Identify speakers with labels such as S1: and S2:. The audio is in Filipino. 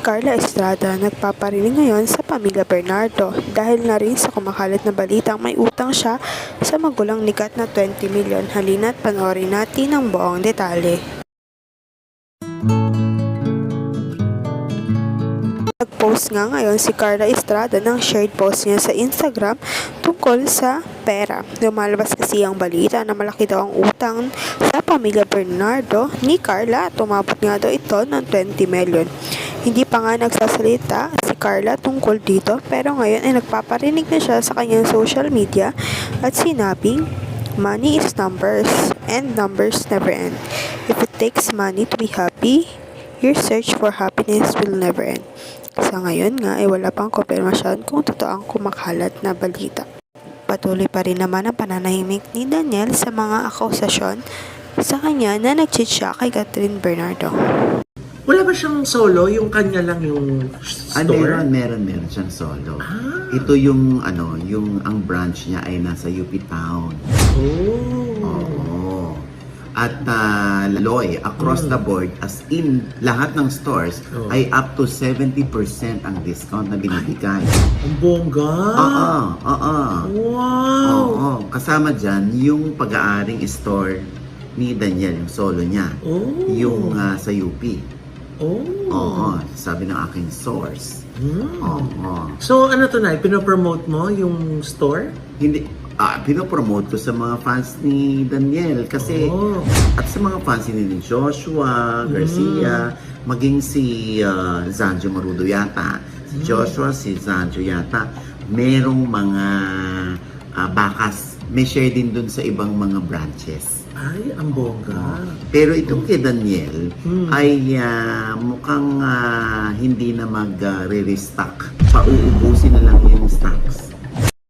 S1: Carla Estrada nagpaparinig ngayon sa pamilya Bernardo dahil na rin sa kumakalat na balitang may utang siya sa magulang ni Kat na 20 milyon. Halina't panoorin natin ang buong detalye. Nag-post nga ngayon si Carla Estrada ng shared post niya sa Instagram tungkol sa pera. Lumalabas kasi ang balita na malaki daw ang utang sa pamilya Bernardo ni Carla. Tumabot nga daw ito ng 20 million. Hindi pa nga nagsasalita si Carla tungkol dito pero ngayon ay nagpaparinig na siya sa kanyang social media at sinabing, "Money is numbers and numbers never end. If it takes money to be happy, your search for happiness will never end." Sa ngayon nga ay wala pang kumpirmasyon kung totoo ang kumakalat na balita. Patuloy pa rin naman ang pananahimik ni Daniel sa mga akusasyon sa kanya na nag-cheat siya kay Catherine Bernardo.
S2: Wala ba siyang solo? Yung kanya lang yung store?
S3: Meron siyang solo. Ito yung ang branch niya ay nasa UP Town. Oo. At Loy, across the board, as in lahat ng stores, ay up to 70% ang discount na binibigay.
S2: Ang bongga!
S3: Wow! Oo. Kasama dyan yung pag-aaring store ni Daniel, yung solo niya. Yung sa UP. Oo, sabi ng aking source. Oo.
S2: So ano to na, pinopromote mo yung store?
S3: Hindi, pinopromote ko sa mga fans ni Daniel kasi at sa mga fans ni Joshua Garcia, maging si Zanjo Marudo yata. Si Joshua, si Zanjo yata, merong mga bakas. May share din dun sa ibang mga branches.
S2: Ay, ang bongga.
S3: Pero itong kay Daniel ay mukhang hindi na mag-re-restock. Pauubusin na lang yun